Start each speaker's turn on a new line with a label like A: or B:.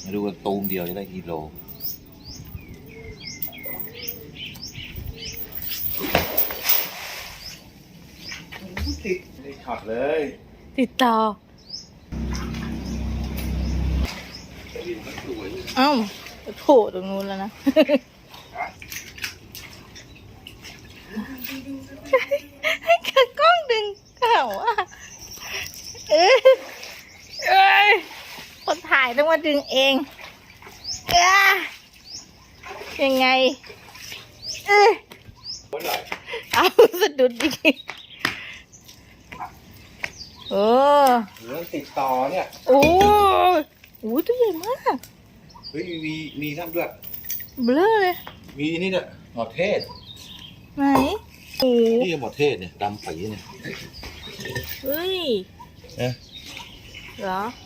A: มาดูกันตูมเดียวจะได้กิโลติดช็อตเลย
B: ติดต่อเอ้าโผล่ตรงนู้นแล้วนะให้กล้องดึงเขาอ่ะคนถ่ายต้องมาดึงเองยังไงเอาสะดุดดิโอ้
A: ติดต่อเนี่ย
B: โอ้โหตัวใหญ่มาก
A: เฮ้ยมีนั่นด้วย
B: เบลอเลย
A: มีนี่เนี่ยหมอเทศ
B: ไหนโอ้
A: นี่หมอเทศเนี่ยดำปีเนี่ย
B: เฮ้ย
A: เนี่ย
B: เหรอ